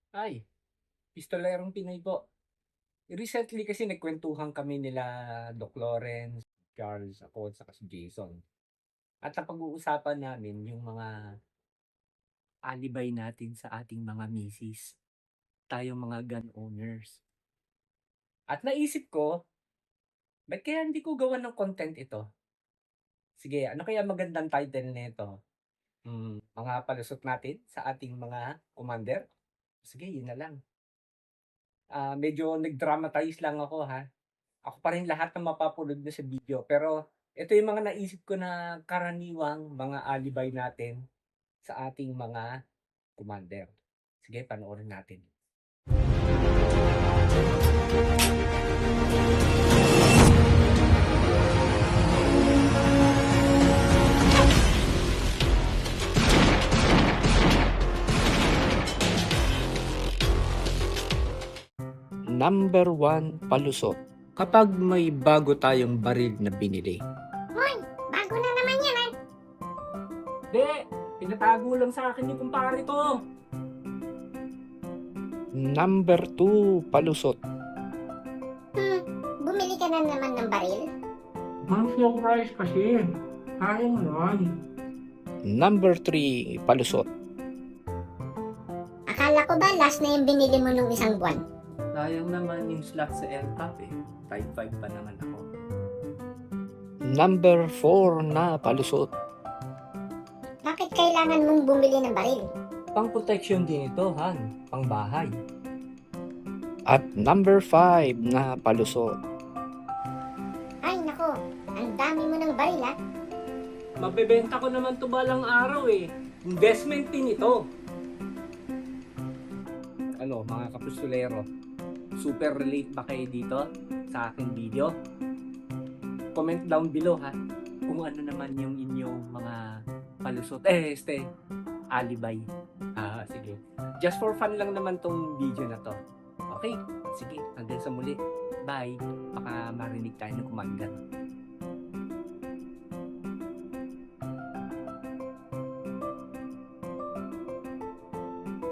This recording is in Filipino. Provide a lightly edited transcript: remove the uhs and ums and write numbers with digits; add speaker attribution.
Speaker 1: Ay, pistolerong Pinoy po. Recently kasi nagkwentuhan kami nila Doc Lawrence, Charles, ako at saka si Jason. At napag-uusapan namin yung mga alibay natin sa ating mga misis, tayong mga gun owners. At naisip ko, ba't kaya hindi ko gawan ng content ito? Sige, ano kaya magandang title nito? Mga palusot natin sa ating mga commander? Sige, yun na lang. Medyo nag-dramatize lang ako ha. Ako pa rin lahat ng mapapanood niyo sa video. Pero ito yung mga naisip ko na karaniwang mga alibay natin sa ating mga commander. Sige, panoorin natin. Number 1, palusot. Kapag may bago tayong baril na binili.
Speaker 2: Hoy, bago na naman yan ah.
Speaker 1: Hindi, pinatago lang sa akin yung kumpare ko. Number 2, palusot.
Speaker 2: Bumili ka na naman ng baril?
Speaker 1: Ma'am, slow price kasi. Kaya mo naman. Number 3, palusot.
Speaker 2: Akala ko ba last na yung binili mo nung isang buwan?
Speaker 1: Sayang naman yung slot sa LTAP eh. Type 5 pa naman ako. Number 4 na palusot.
Speaker 2: Bakit kailangan mong bumili ng baril?
Speaker 1: Pang protection din ito, Han. Pang bahay. At number 5 na palusot.
Speaker 2: Ay nako, ang dami mo ng baril ah.
Speaker 1: Mabebenta ko naman to balang araw eh. Investment din ito. Ano, mga kapustulero, super relate ba kayo dito sa aking video? Comment down below ha kung ano naman yung inyong mga palusot. Alibay. Sige. Just for fun lang naman tong video na to. Okay, sige, hanggang sa muli. Bye. Baka marinig tayo ng commander.